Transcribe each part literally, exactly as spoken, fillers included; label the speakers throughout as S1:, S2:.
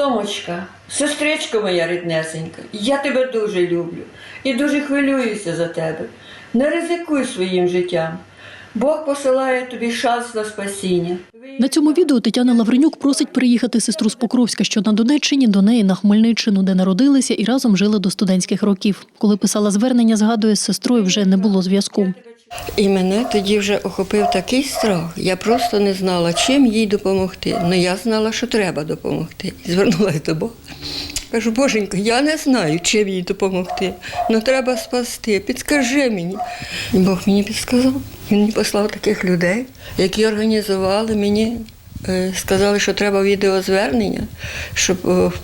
S1: Томочка, сестричко моя ріднесенька, я тебе дуже люблю і дуже хвилююся за тебе. Не ризикуй своїм життям. Бог посилає тобі шанс на спасіння.
S2: На цьому відео Тетяна Лавренюк просить приїхати сестру з Покровська, що на Донеччині, до неї на Хмельниччину, де народилися і разом жили до студентських років. Коли писала звернення, згадує, з сестрою вже не було зв'язку.
S1: І мене тоді вже охопив такий страх. Я просто не знала, чим їй допомогти. Ну, я знала, що треба допомогти. І звернулася до Бога. Кажу, Боженько, я не знаю, чим їй допомогти. Ну, треба спасти, підскажи мені. І Бог мені підсказав. Він мені послав таких людей, які організували мені, сказали, що треба відеозвернення, щоб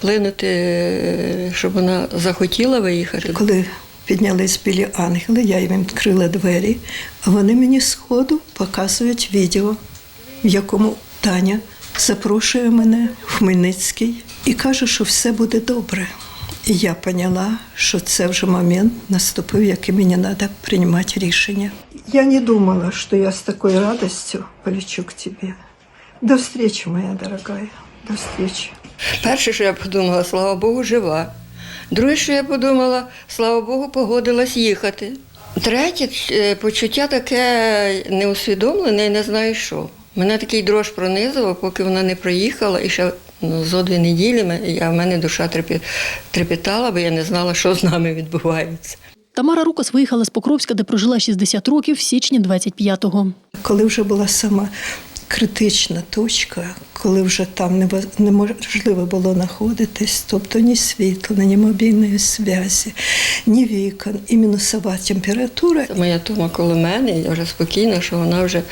S1: вплинути, щоб вона захотіла виїхати.
S3: Коли піднялись білі ангели, я їм відкрила двері, а вони мені сходу показують відео, в якому Таня запрошує мене в Хмельницький і каже, що все буде добре. І я поняла, що це вже момент наступив, який мені треба приймати рішення. Я не думала, що я з такою радістю полечу к тебе. До зустрічі, моя дорогая, до зустрічі.
S1: Перше, що я подумала, слава Богу, жива. Друге, що я подумала, слава Богу, погодилась їхати. Третє, почуття таке неусвідомлене, не знаю що. Мене такий дрож пронизував, поки вона не приїхала, і ще ну, зо дві неділі я, в мене душа трепетала, бо я не знала, що з нами відбувається.
S2: Тамара Рукас виїхала з Покровська, де прожила шістдесят років, в січні двадцять п'ятого.
S3: Коли вже була сама критична точка, коли вже там неможливо було знаходитись, тобто ні світла, ні мобільної зв'язі, ні вікон, і мінусова температура.
S1: Моя Тома коло мене, я вже спокійна, що вона вже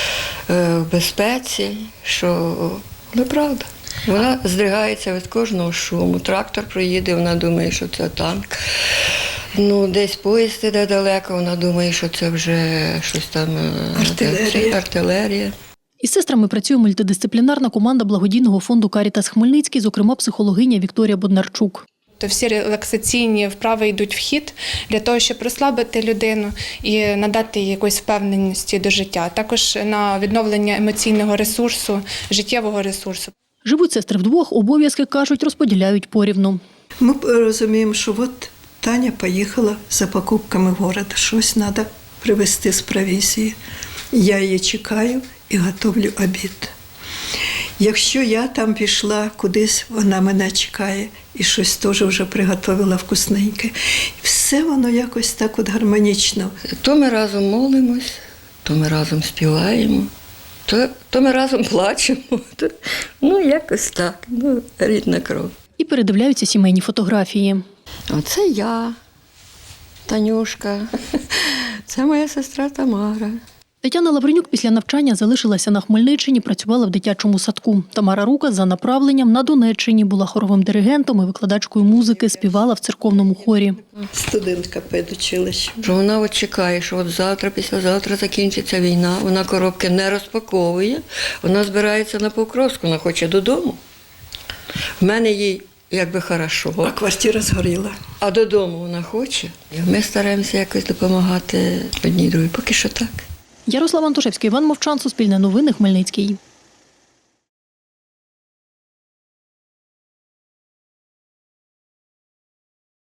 S1: е, в безпеці, що неправда. Вона здригається від кожного шуму. Трактор проїде, вона думає, що це танк. Ну, десь поїзд іде далеко, вона думає, що це вже щось там
S3: артилерія.
S1: артилерія.
S2: Із сестрами працює мультидисциплінарна команда благодійного фонду «Карітас Хмельницький», зокрема психологиня Вікторія Боднарчук.
S4: То всі релаксаційні вправи йдуть в хід для того, щоб розслабити людину і надати їй якоїсь впевненості до життя. Також на відновлення емоційного ресурсу, життєвого ресурсу.
S2: Живуть сестри вдвох, обов'язки, кажуть, розподіляють порівну.
S3: Ми розуміємо, що от Таня поїхала за покупками в город, щось треба привезти з провізії. Я її чекаю і готовлю обід. Якщо я там пішла кудись, вона мене чекає і щось теж вже приготувала вкусненьке. Все воно якось так от гармонічно.
S1: То ми разом молимось, то ми разом співаємо, то, то ми разом плачемо. То, ну, якось так, ну, рідна кров.
S2: І передивляються сімейні фотографії.
S1: Оце я, Танюшка, це моя сестра Тамара.
S2: Тетяна Лавренюк після навчання залишилася на Хмельниччині, працювала в дитячому садку. Тамара Рукас за направленням на Донеччині була хоровим диригентом і викладачкою музики, співала в церковному хорі.
S3: Студентка педучилища.
S1: Що вона от чекає, що от завтра, післязавтра закінчиться війна, вона коробки не розпаковує, вона збирається на Покровську, вона хоче додому. В мене їй якби хорошо.
S3: А квартира згоріла.
S1: А додому вона хоче. Ми стараємося якось допомагати одній другій. Поки що так.
S2: Ярослав Антошевський, Іван Мовчан, Суспільне новини, Хмельницький.